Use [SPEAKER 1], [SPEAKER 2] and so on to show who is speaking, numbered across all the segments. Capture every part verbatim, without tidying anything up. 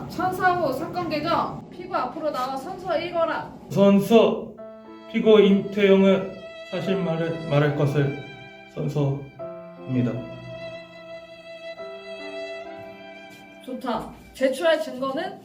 [SPEAKER 1] 자, 천사후 사건 개정. 피고 앞으로 나와 선서 읽어라.
[SPEAKER 2] 선서 피고 임태영의 사실말을 말할 것을 선서입니다.
[SPEAKER 1] 좋다. 제출할 증거는?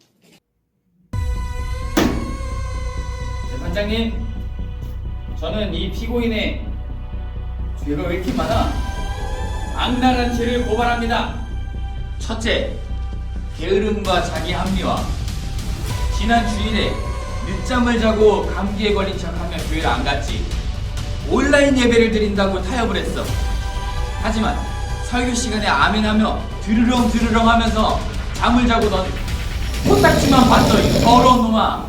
[SPEAKER 3] 재판장님, 저는 이 피고인의 죄가 왜 이렇게 많아? 악랄한 죄를 고발합니다. 첫째, 게으름과 자기 합리화. 지난 주일에 늦잠을 자고 감기에 걸린 척하며 교회를 안 갔지. 온라인 예배를 드린다고 타협을 했어. 하지만 설교 시간에 아멘하며 드르렁 드르렁 하면서 잠을 자고 넌 코딱지만 봤어, 이 더러운 놈아.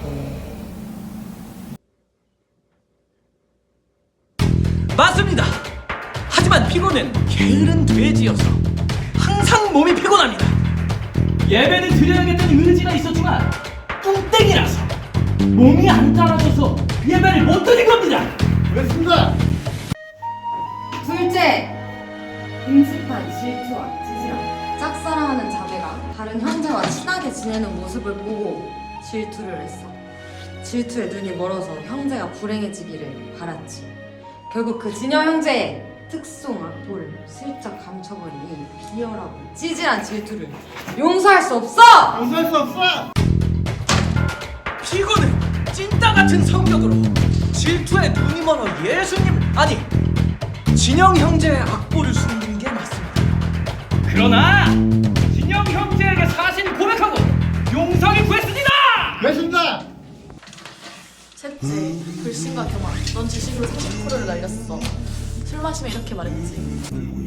[SPEAKER 4] 맞습니다. 하지만 피고는 게으른 돼지여서 항상 몸이 피곤합니다. 예배는 드려야겠다는 의지가 있었지만 뚱땡이라서 몸이 안 따라줘서 예배를 못 드린 겁니다.
[SPEAKER 5] 그렇습니다.
[SPEAKER 6] 둘째, 끔찍한 질투와 찌질함. 짝사랑하는 자매가 다른 형제와 친하게 지내는 모습을 보고 질투를 했어. 질투에 눈이 멀어서 형제가 불행해지기를 바랐지. 결국 그 진여 형제의 특송 악보를 슬쩍 감춰버린 이 비열하고 찌질한 질투를 용서할 수 없어!
[SPEAKER 5] 용서할 수 없어.
[SPEAKER 4] 피고는 찐따 같은 성격으로 질투에 눈이 멀어 예수님 아니 진영 형제의 악보를 숨긴 게 맞습니다. 그러나 진영 형제에게 사실 고백하고 용서를 구했습니다.
[SPEAKER 5] 그렇습니다.
[SPEAKER 7] 셋째, 불신과 교만. 넌 주식으로 사십 퍼센트를 날렸어. 술 마시면 이렇게 말했지.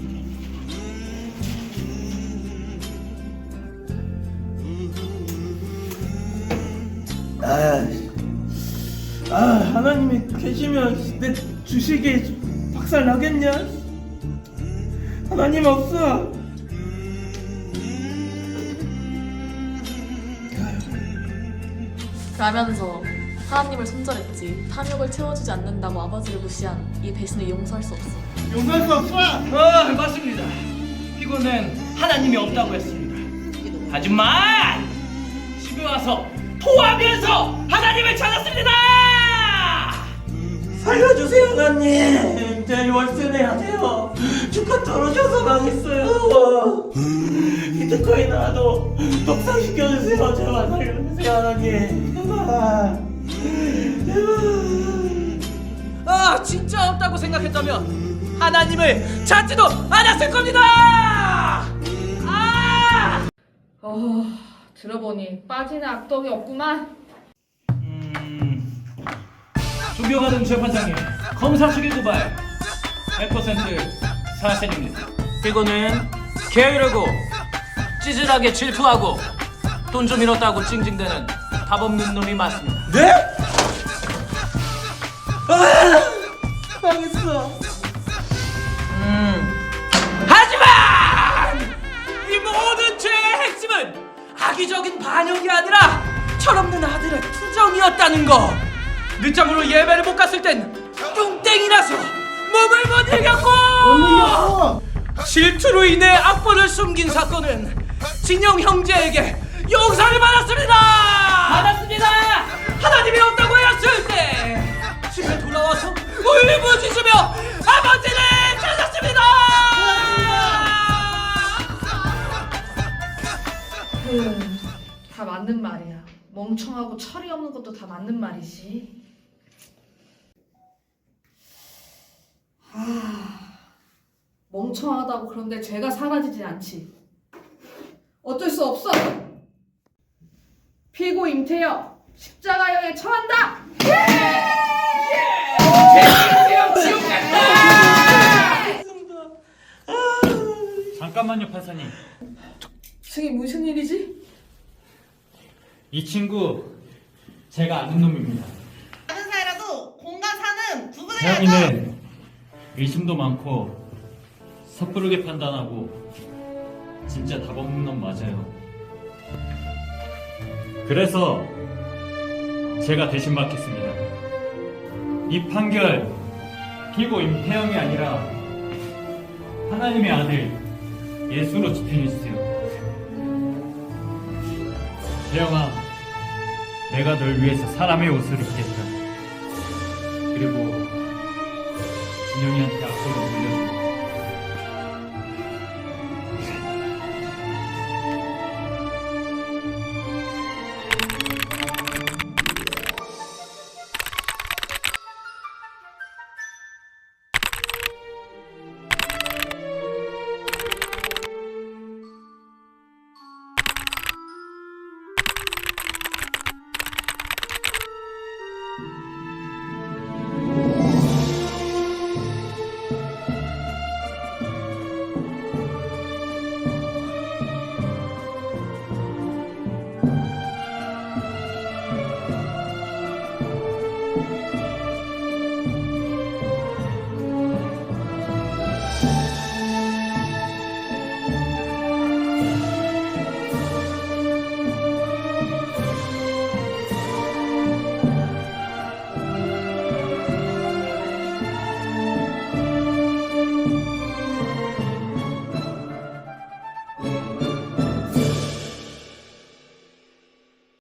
[SPEAKER 2] 아, 아 하나님이 계시면 내 주식이 박살 나겠냐? 하나님 없어.
[SPEAKER 7] 그러면서 하나님을 손절했지. 탐욕을 채워주지 않는다고 아버지를 무시한 이 배신을 용서할 수 없어.
[SPEAKER 5] 용서할 수 없어.
[SPEAKER 4] 아 맞습니다. 피고는 하나님이 없다고 했습니다. 하지만 집에 와서 토하면서 하나님을 찾았습니다.
[SPEAKER 2] 살려주세요 하나님. 제 월세 내야 돼요. 주가 떨어져서 망했어요. 비트코인 하나도 독상시켜주세요. 제발 살려주세요 하나님. 제발.
[SPEAKER 4] 아 진짜 없다고 생각했다면 하나님을 찾지도 않았을 겁니다. 아!
[SPEAKER 1] 어, 들어보니 빠지는 악덕이 없구만.
[SPEAKER 4] 음, 존경하는 재판장님, 검사 측의 고발 백 퍼센트 사실입니다. 피고는 게으르고 찌질하게 질투하고 돈 좀 잃었다고 찡찡대는 답 없는 놈이 맞습니다.
[SPEAKER 2] 네? 아, 망했어.
[SPEAKER 4] 음, 하지만 이 모든 죄의 핵심은 악의적인 반역이 아니라 철없는 아들의 투정이었다는 거. 늦잠으로 예배를 못 갔을 땐 뚱땡이라서 몸을 못 이겼고
[SPEAKER 5] 못 이겼어.
[SPEAKER 4] 질투로 인해 악보를 숨긴 사건은 진영 형제에게 용서를 받았습니다. 받았습니다. 하나님이 없다고 했을 때 집에 돌아와서 울부짖으며 아버지를 찾았습니다.
[SPEAKER 1] 음, 다 맞는 말이야. 멍청하고 철이 없는 것도 다 맞는 말이지. 아, 멍청하다고 그런데 죄가 사라지지 않지. 어쩔 수 없어. 피고 임태영 십자가형에 처한다.
[SPEAKER 8] 잠깐만요, 판사님.
[SPEAKER 1] 승희 무슨 일이지?
[SPEAKER 8] 이 친구 제가 아는 놈입니다.
[SPEAKER 9] 다른 사이라도 공과 사는 구분해야죠.
[SPEAKER 8] 태양이는 의심도 많고 섣부르게 판단하고 진짜 답 없는 놈 맞아요. 그래서 제가 대신 받겠습니다. 이 판결 피고 임태영이 아니라 하나님의 아들 예수로 집행해주세요. 태영아, 내가 널 위해서 사람의 옷을 입겠다. 그리고 진영이한테 악보를 물려줄게.